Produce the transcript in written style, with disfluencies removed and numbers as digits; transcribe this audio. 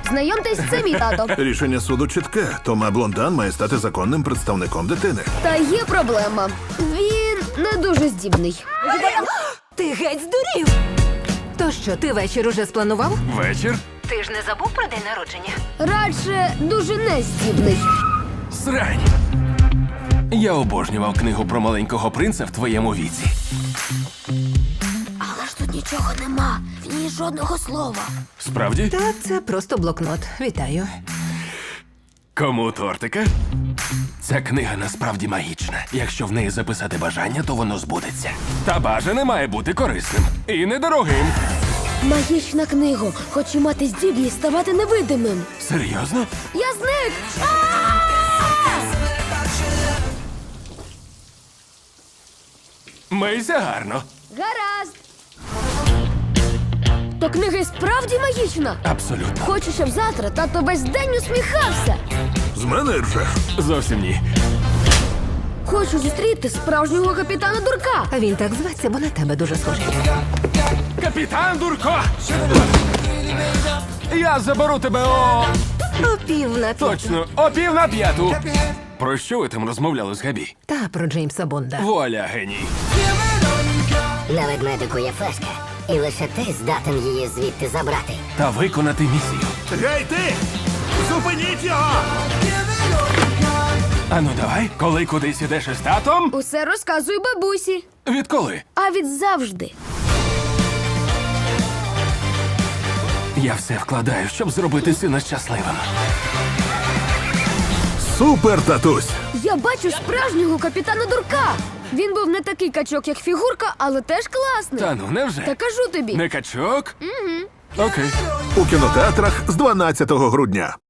Знайомтесь, це мій тато. Рішення суду чітке. Тома Блондан має стати законним представником дитини. Та є проблема. Він не дуже здібний. Ти геть здурів! То що, ти вечір уже спланував? Вечір? Ти ж не забув про день народження? Радше дуже нездібний. Срань. Я обожнював книгу про маленького принца в твоєму віці. Але ж тут нічого нема. В ній жодного слова. Справді? Та це просто блокнот. Вітаю. Кому тортика? Ця книга насправді магічна. Якщо в неї записати бажання, то воно збудеться. Та бажане має бути корисним. І недорогим. Магічна книга. Хочу мати здібність ставати невидимим. Серйозно? Я зник! Мийся гарно. Гаразд. То книга і справді магічна. Абсолютно. Хочу, щоб завтра тато весь день усміхався. З мене ржеш. Зовсім ні. Хочу зустріти справжнього капітана Дурка. А він так зветься, бо на тебе дуже схожий. Капітан Дурко! Я заберу тебе о... О 4:50. Точно, о 4:45. Про що ви там розмовляли з Габі? Та про Джеймса Бонда. Вуаля, геній. На ведмедику є флешка, і лише ти здатен її звідти забрати. Та виконати місію. Гей, ти! Зупиніть його! Ану давай, коли кудись ідеш із татом? Усе розказую бабусі. Відколи? А від завжди. Я все вкладаю, щоб зробити сина щасливим. Супер, татусь! Я бачу справжнього капітана Дурка. Він був не такий качок, як фігурка, але теж класний. Та ну, невже? Та кажу тобі. Не качок? Угу. Окей. У кінотеатрах з 12 грудня.